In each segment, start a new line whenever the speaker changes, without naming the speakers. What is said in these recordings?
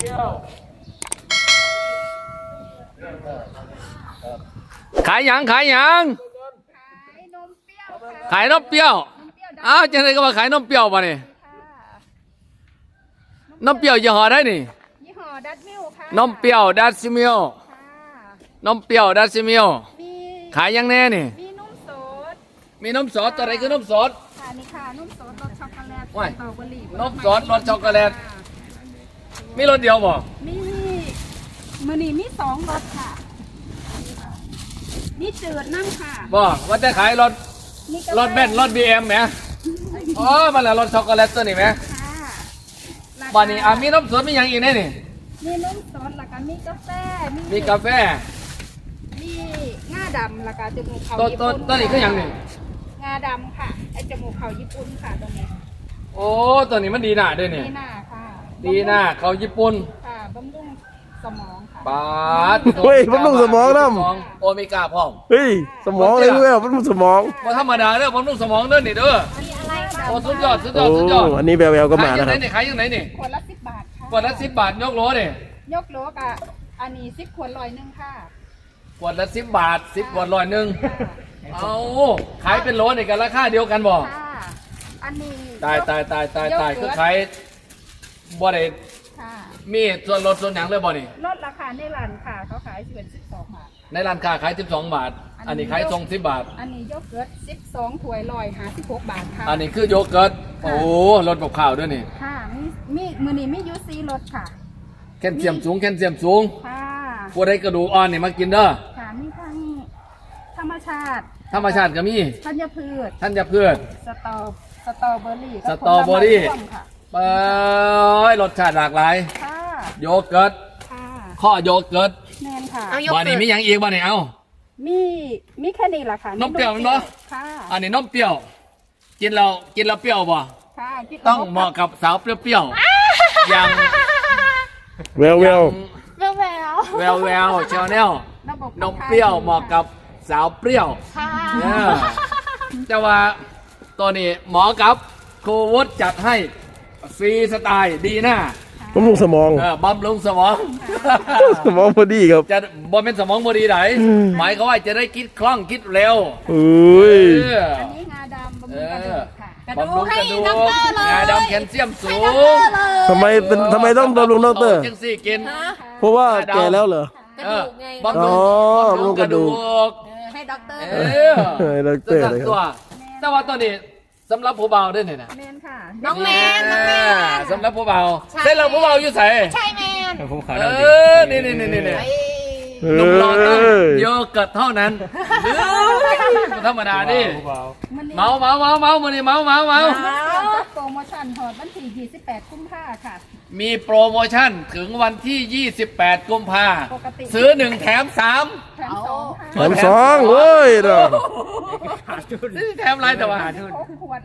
ขายหยังขายหยังขายนมเปรี้ยวอ้าวจังไรก็มาขายนมเปรี้ยวป่ะนี่นมเปรี้ยวยี่ห้อได้นี่
ยี่ห้อดัชมิลค่ะ
นมเปรี้ยวดัชมิลนมเปรี้ยวดัชมิลขายยังแน่นี่
มีนมสด
มีนมสดตัวไหนคือนมสด
ค่ะนี่ค่ะนมสดรสช็อกโกแลตสตรอเบอรี่
นมสดรสช็อกโกแลตมีรสเดียวบ่
มีมือนี่มี2รสค่ะนี่จืดนั่งค่ะ
บ่ว่าจะขายรถเบนซ์รถบีเอ็มไหมอ๋อมันละรสช็อกโกแลตตัวนี้ไหมบ้านนี้มีนมสดมีอย่างอีกแน่นี่
มีนมสดแล้วก็มีกาแฟ
มีกาแฟ
มีงาดำแล้วก็จมูกเขาญี่
ปุ่นตัวนี้ก็อย่างนี้
งาดำค่ะไอจมูกเขาญี่ปุ่นค่ะตรงนี้
โอ้ตัวนี้มันดีหน้าด้วยนี่
ดีหน้าค่ะ
ดีหน้าเขาญี่ปุ่น
ค่ะบำรุงสมองค่ะ
ปาด
เฮ้ยบำรุงสมองน้
ำโอเมก้าพร้อม
เฮ้ยสมองเลยเว้ยบำรุงสมอง
ว่าธรรมดาเด้อบำรุงสมองเด้อนี่เด้อโอ้สุดยอดสุดยอดสุดยอด
อันนี้แววๆก็มานะครับ
ขายยังไงนี่
ขวดละ10 บาทค่ะ
ขวดละ10 บาทยกโหลนี่
ยกโหลกะอันนี้10 ขวด100ค่ะ
ขวดละ10 บาท10 ขวด100เอาขายเป็นโหลนี่กันราคาเดียวกันบ่
อันนี้
ตายคือขายบ่ได้มีส่วนลดส่วนหยังเลยบ่นี่
ลดราคาในร้านค่ะเขาขาย12 บาท
ในร้านค้าขาย12 บาทอันนี้ขายส่ง10 บาท
อันนี้โยเกิร์ต12 ถ้วย156 บาทค่ะ
อันนี้คือโยเกิร์ตโอ้รสกับข้าวด้วยนี่
ค่ะมีมือนี้มียูซีรสค่ะ
แคลเซียมสูง
ค่ะ
ผู้ใดกระดูกอ่อนนี่มากินเด้อ
ค่ะมีทั้งธรรมชาติ
ก็มี
ธัญพืช
ส
ตรอเบอรี่
ไปรสชาติหลากหลายโยเกิร์ตข้อโยเกิร์ต
แน่นค่ะ
บ้านนี้มีอย่างอีกบ้านนี้เอา
มีแค่นี้แหละค่ะ
นมเปรี้ยวมั้ยเนาะอันนี้นมเปรี้ยวกินเราเปรี้ยวบ่ต้องเหมาะกับสาวเปรี้ยวอย่าง
แวว
เชลแนลนมเปรี้ยวเหมาะกับสาวเปรี้ยวแต่ว่าตัวนี้หมอกับโควิดจัดให้ฟรีสไตล์ดีหน้า
บำรุงสมอง
บำรุงสมอง
สมองพอดีครับ
จะบ่เป็นสมองพอดีไหนหมายเขาว่าจะได้คิดคล่องคิดเร็ว
อั
นนี้งาดำบำรุง
กระดูกงาดำแคลเซียมสูง
ทำไมต้องบำรุงดร.
จังสี่กิน
เพราะว่าแก่แล้วเหร
อกระดูกไง
บำรุงกระดูก
ให้ด็อกเตอร์
ให้ด็อกเตอร์เลยครับ
แต่ว่าตัวนี้สำหรับผู้เบาด้วยเนี่ยนะ
แมนค่ะ
น้องแมน
สำหรับผู้เบาเส้นเราผู้เบาอยู่ใส่
ใช่แมน
นี่หนุ่มหล่อต้องโยเกิร์ตเท่านั้นธรรมดาดิเมามันนี่เมา
โปรโมชั่นหอดวันที่28 กุมภาค่ะ
มีโปรโมชั่นถึงวันที่28 กุมภาซื้อ1 แถม 3
แถม
2เว้ยเด้อ
ซื้อแถมไรแต่ว่า
6 ขวด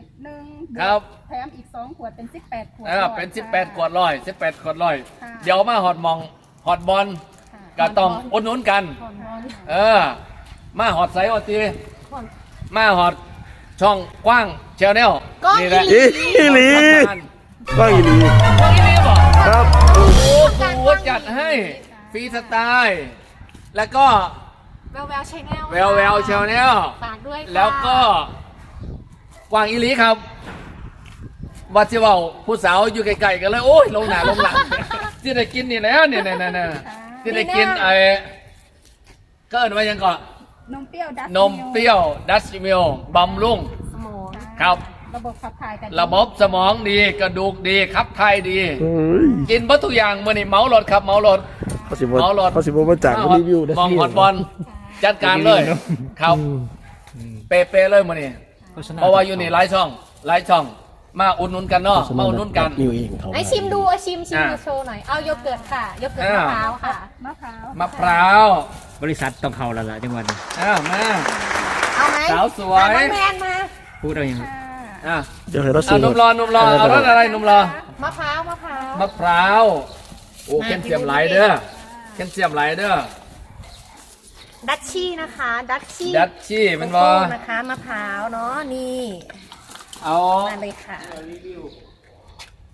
1
ครับ
แถมอีก2 ขวดเป็น18 ขวด
เป็น18 ขวด18 ขวดเดี๋ยวมาฮอตบอลก็ต้องอุดหนุนกันมาฮอตไซส์ฮอตตีมาฮอตช่องกว้างแชนแนลนี่แหละ
อีหลีก็อีหลี
บอก
ครับ
โอ้โหจัดให้ฟรีสไตล์แล้วก็
แววแชนแนล
แชนแนล
ฝากด้วย
แล้วก็กว้างอีหลีครับวัดที่ว่าผู้สาวอยู่ไกลๆกันเลยโอ้ยลงหนาลงหลังที่ได้กินนี่แล้วเนี่ยที่ได้กินก็เอิ้นว่ายังก่อน
นมเปรี้ยว
ดัชมิลบำรุง
สมอง
ครับ
ระบบขับถ่ายกัน
ระบบสมองดีกระดูกดีขับถ่ายดีกินวัตถุอย่างมื่อนี่เมารถครับเมารถ
เขาสิบมาจากรีวิว
มองฮอตบอลจัดการเลยครับเป๊ะเลยมื่อนี่เพราะว่าอยู่นี่หลายช่องมาอุดหนุนกันเนาะมาอุดหนุนกัน
ไอชิมดูชิมดูโชว์หน่อยเอาโยเกิร์ตค่ะโยเกิร์ตมะพร้าวค่ะ
มะพร้าว
บริษัทต้องเข้าแล้วล่ะจังหวัด
มา
เอาไหม
สาวสวย
น้องแมนมา
พูดเอาอย่าง
เดี๋ยวให้เรา
นุ่มรอเอารสอะไรนุ่มรอ
มะพร้าว
โอ้แคลเซียมไหลเด้อ
ดัชชี่นะคะดัช
ชี่มันว่า
นะคะมะพร้าวเนาะนี่
เอา
มาเลยค่ะ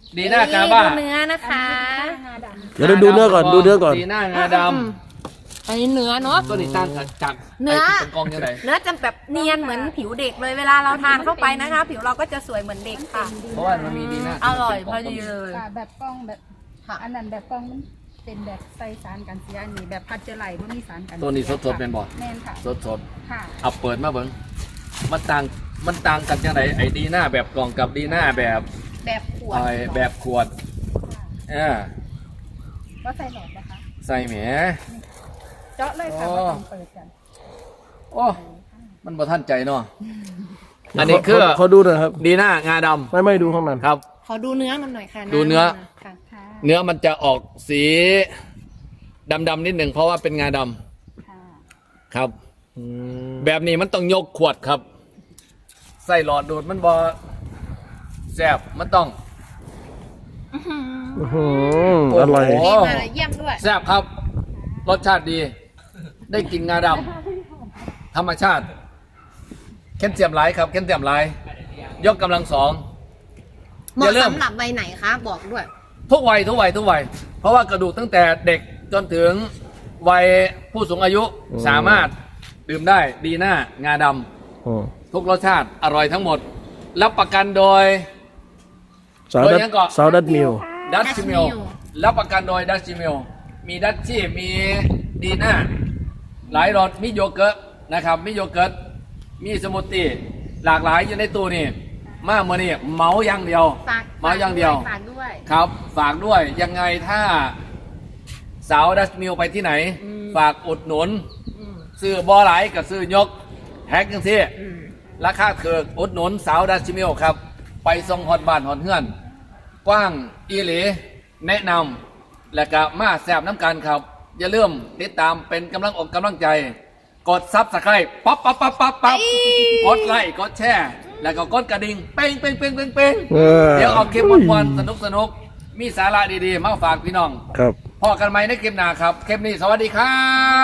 ดีหน้ากาบ้า
ดูเนื้อนะคะ
งาดำ
เดี๋ยวดูเนื้อก่อนดูเนื้อก่อน
ดีหน้างาด
อันนี้เนื้อเนาะ
ำตัวนี้ตั้งจาก
เนื้อ
ไเป็นกองยังไง
เนื้อจะแบบเนียนเหมือนผิวเด็กเลยเวลาเราทานเข้าไปนะคะ ผิวเราก็จะสวยเหมือนเด็กค่ะ
เพราะว่ามันมีดีหน้า
อร่อยพอดีเลย
ค่ะแบบกล้องแบบอันนั้นแบบกล้องมันเป็นแบบใส่สารกันเสียอันนี้แบบพัชเจอร์ไหลมันมีสารกันเสีย
ตัวนี้สดๆเป็นบ่
แม่นค่ะ
สด
ค่ะ
ๆเอาเปิดมาเบิ้งมันต่างกันยังไงไอ้ดีหน้าแบบกล่องกับดีหน้าแบบ
แบบขวด
ไอ้แบบขวด
ค่ะ
อ่า
ก็ใส่หลอดนะคะ
ใส่แหม
เจาะเลยค่ะ
อ๋อ
ว่าต้องเปิดกัน
โอ้มันบ่ทันใจเนาะอันนี้คือ
เขาดูหนะครับ
ดีหน้างาดำ
ไม่ดูข้างใน
ครับ
ขอดูเนื้อมันหน่อยค่ะ
ดูเนื้อ
ค่ะ
ค่ะ
เนื้อมันจะออกสีดำๆนิดหนึ่งเพราะว่าเป็นงาดำ
ค่ะ
ครับ
อืม
แบบนี้มันต้องยกขวดครับ ใส่หลอดดูดมันบอแสบมันต้อง
อื้อหืออร่อย
โอ้โห
ดีมาเยี่ยมด้วย
แสบครับ รสชาติดี ได้กินงาดำธรรมชาติแคลเซียมหลายครับแคลเซียมหลายยกกำลังสอง
เหมาะสำหรับใบไหนคะบอกด้วย
ทุกวัยทุกวัยทุกวัยเพราะว่ากระดูกตั้งแต่เด็กจนถึงวัยผู้สูงอายุ
อืม
สามารถดื่มได้ดีหน้างาดำ
อืม
ทุกรสชาติอร่อยทั้งหมด รับประกันโดย
สาว
โด
ดั
ย
ด
ยังก่อน
สาวดัดมิว
ดัช
Dutch
มิล
Mill
รับประกันโดยดัชมิลมีดัชชี่มีดีน่าหลายรสมีโยเกิร์ตนะครับมีโยเกิร์ตมีสมูทตี้หลากหลายอยู่ในตู้นี่มาเมื่อนี้เมาอย่างเดียว
ฝาก
เมาอย่างเดียว
ฝากด้วย
ครับ ฝากด้วยยังไงถ้าสาวดัชมิลไปที่ไหน ฝากอุดหนุน
อืม
ซื้อบอไหลายกับซื้อยกแฮกจังซี่
อืม
ราคาเถือกอุดหนุนสาวดัชมิลครับ ไปส่งฮอดบ้านฮอดเฮือน กว้างอีหลีแนะนำและก็มาแซบน้ำกันครับ อย่าลืมติดตามเป็นกำลังอกกำลังใจ กดซับสไครต์ปั๊บกดไลค์กดแชร์แล้วก็กดกระดิ่งเป้งเดี๋ยวเอาคลิปวันๆสนุกมีสาระดีๆ มาฝากพี่น้อง
ครับ
พอกันไหมในคลิปหน้าครับคลิปนี้สวัสดีครับ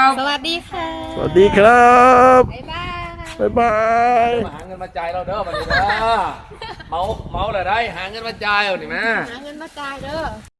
สวัสดีค่ะ
สวัสดีครับ
บ๊ายบาย
บ๊ายบาย
มาหาเงินมาจ่ายเราเด้อบัดนี้เด้อเมาเลยได้หาเงินมาจ่ายเอานี่แม่
หาเงินมาจ่ายเด้อ